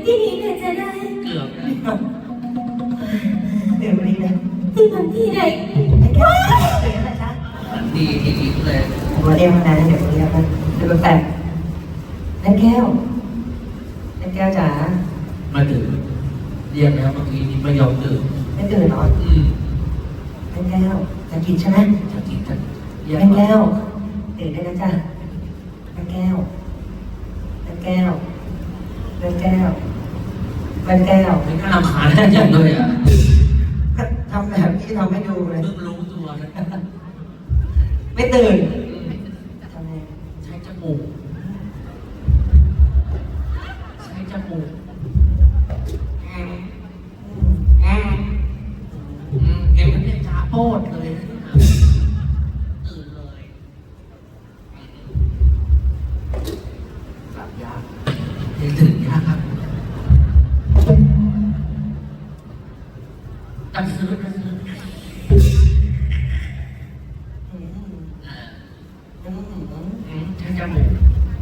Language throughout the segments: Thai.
ที่นี้เนี่ยจะได้เกือบนะเดี๋ยววันนี้นะที่มันที่ไหนไอ้แก้วตื่นแล้วนะจ๊ะดีเลยผมมาเรียกมานานแล้วเดี๋ยววันนี้นะเดี๋ยวแปลกไอ้แก้วไอ้แก้วจ๋ามาตื่นเรียกแล้วเมื่อกี้นี้ไม่ยอมตื่นไม่ตื่นเหรอไอ้แก้วจะกินใช่ไหมจะกินจะไอ้แก้วตื่นได้แล้วจ้ะไอ้แก้วไอ้แก้วไอ้แก้วไอ้แก้วไม่กล้ารำคาญแน่จังเลยอ่ะทำแบบนี้ทำให้ดูเลยเพิ่งรู้ตัวนะไม่ตื่นทำไงใช้จมูกใช้จมูกเอ็มเนี่ยจ้าโปดเลยตื่นเลยหลับยากยังตื่นยากครับกันซื้อใช้จมูก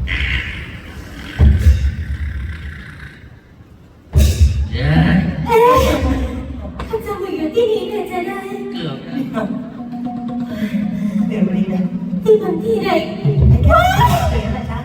เย้ข้าจะมาอยู่ที่นี้เนี่ยจะได้เกือบนะเดี๋ยววันนี้นะที่มันที่ไหนไอ้แก้วตื่นแล้วนะจ๊ะ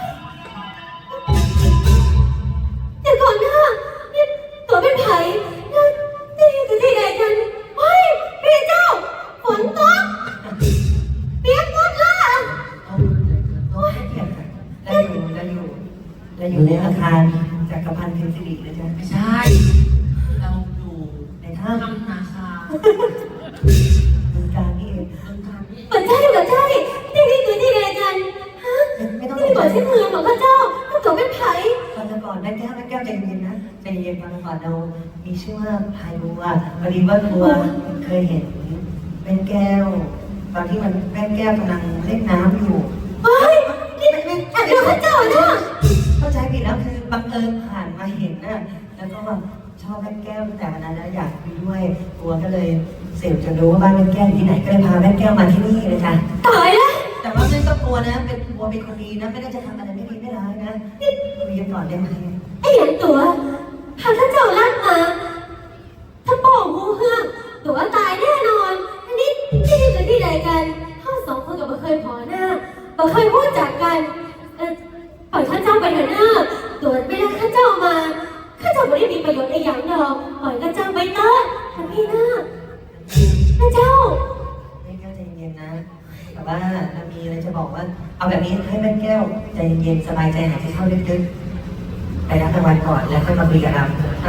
เดี๋ยวก่อนนะนี่ตัวเป็นไผ่นั่นนี่คือที่ไหนกันเฮ้ยพี่เจ้าฝนตกเปียกหมดละเอาให้เกียรติกันเราอยู่ในอาคารจักรพันธ์เพ็ญสิรินะจ๊ะไม่ใช่ เราอยู่ในถ้ำถ้ำนาคาบึงการนี่เองเมืองการนี่เหมือนใช่ที่นี่คือที่ไหนกันฮะไม่ต้องที่บอกใช่เมืองของข้าเจ้าข้าตัวเป็นไผ่ก่อนแม่แก้วใจเย็นนะใจเย็นก่อนเรามีชื่อว่าพายบัวพอดีว่าบัวเคยเห็นแม่แก้ว ตอนที่มันแม่แก้วกำลังเล่นน้ำอยู่เฮ้ยนี่อันเดียวข้าเจ้านะเข้าใจผิดแล้วคือบังเอิญผ่านมาเห็นนะแล้วก็แบบชอบแม่แก้วตั้งแต่วันนั้นแล้วอยากคุยด้วยบัวก็เลยเสืบจนรู้ว่าบ้านแม่แก้วอยู่ที่ไหนก็เลยพาแม่แก้วมาที่นี่เลยจ้ะตายแล้วแต่ว่าไม่ต้องกลัวนะ เป็นบัวเป็นคนดีนะ ไม่ได้จะทำอะไรไม่ดีไม่ร้ายนะนี่คุยกันก่อนได้ไหมไอ้หยังตัวหากข้าเจ้าลากมาถ้าบอกหูเฮือกตัวตายแน่นอนอันนี้ที่นี่คือที่ไหนกันข้าสองคนกับบ่เคยพอหน้าบ่เคยพูดจากกันปล่อยข้าเจ้าไปเถอะหน้าตัวไม่ได้ข้าเจ้ามาข้าเจ้าไม่ได้มีประโยชน์ในอย่างดอกปล่อยข้าเจ้าไปเถิดท่านพี่หน้าข้าเจ้าแม่แก้วใจเย็นนะ แต่ว่าเรามีอะไรจะบอกว่า เอาแบบนี้ให้แม่แก้วใจเย็นสบายใจหายใจเข้าลึกๆไปรับรางวัลก่อนแล้วค่อยมาคุยกับเราอ่ะ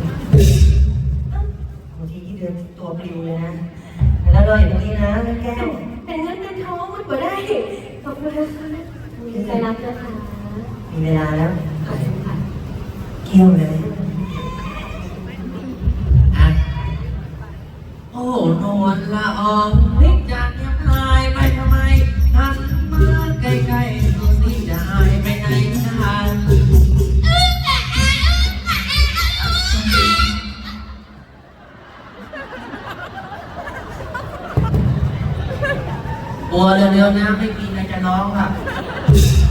บางทีที่เดินตัวปลิวเลยนะ แล้วรออยู่ตรงนี้นะแม่แก้วเป็นเงินเป็นทองมันบ่ได้ขอบคุณนะคะมีใจรับนะคะมีเวลาแล้วขอบคุณค่ะเกี่ยวเลยอ่ะโอ้นวลละอองนิดจากเงียบหายไปทำไมหันมาใกล้ๆตัวนี้จะหายไปไหนนานบัวเร็วๆนะไม่มีอะไรจะร้องค่ะ